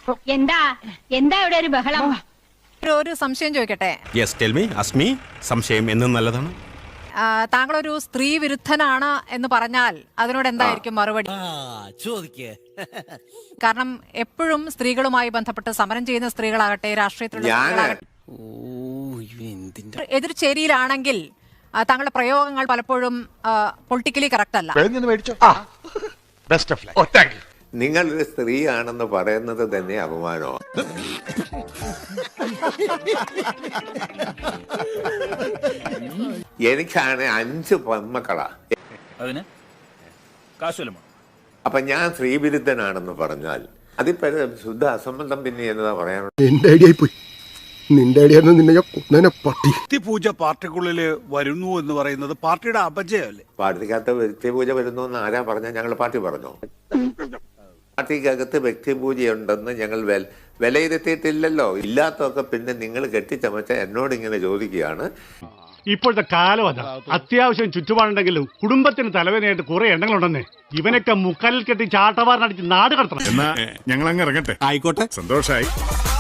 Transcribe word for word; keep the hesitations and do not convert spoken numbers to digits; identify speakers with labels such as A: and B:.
A: എന്താ എന്താ ഇവിടെ ഒരു ബഹളം?
B: ഒരു സംശയം ചോദിക്കട്ടെ.
C: Yes tell me Asmi. സംശയം എന്നും നല്ലതാണ്.
B: താങ്കളൊരു സ്ത്രീ വിരുദ്ധനാണ് എന്ന് പറഞ്ഞാൽ അതിനോട് എന്തായിരിക്കും മറുപടി? കാരണം എപ്പോഴും സ്ത്രീകളുമായി ബന്ധപ്പെട്ട് സമരം ചെയ്യുന്ന സ്ത്രീകളാകട്ടെ, രാഷ്ട്രീയത്തിലുള്ള എതിർചേരിയിലാണെങ്കിൽ താങ്കളുടെ പ്രയോഗങ്ങൾ പലപ്പോഴും പൊളിറ്റിക്കലി കറക്റ്റ് അല്ല.
D: നിങ്ങൾ ഒരു സ്ത്രീയാണെന്ന് പറയുന്നത് തന്നെ അപമാനമാണ്. എനിക്കാണ് അഞ്ച് പെൺമക്കളാ. അപ്പൊ ഞാൻ സ്ത്രീവിരുദ്ധനാണെന്ന് പറഞ്ഞാൽ അതിപ്പോ ശുദ്ധ അസംബന്ധം. പിന്നെ എന്നതാ പറയാനുള്ളത്?
E: എന്റെ ഐഡിയ പോയി. നിന്റെ ഐഡിയ നിന്നെ പട്ടി.
F: പൂജ പാർട്ടിക്കുള്ളിൽ വരുന്നു എന്ന് പറയുന്നത് പാർട്ടിയുടെ അപജയമല്ലേ?
D: പാർട്ടിക്കകത്ത് വ്യക്തിപൂജ വരുന്നു എന്ന് ആരാ പറഞ്ഞാൽ? ഞങ്ങൾ പാർട്ടി പറഞ്ഞോ? പാർട്ടിക്കകത്ത് വ്യക്തിപൂജയുണ്ടെന്ന് ഞങ്ങൾ വിലയിരുത്തിയിട്ടില്ലല്ലോ. ഇല്ലാത്തൊക്കെ പിന്നെ നിങ്ങൾ കെട്ടിച്ചമച്ച എന്നോട് ഇങ്ങനെ ചോദിക്കുകയാണ്.
G: ഇപ്പോഴത്തെ കാലം അതാ. അത്യാവശ്യം ചുറ്റുപാടുണ്ടെങ്കിലും കുടുംബത്തിന് തലവേദനയായിട്ട് കുറെ എണ്ണങ്ങളുണ്ടെന്നേ. ഇവനൊക്കെ മുക്കാലിൽ കെട്ടി ചാട്ടവാറിനടിച്ച് നാട് കടത്തണം.
E: ഞങ്ങൾ അങ്ങ് ഇറങ്ങട്ടെ.
C: ആയിക്കോട്ടെ,
E: സന്തോഷായി.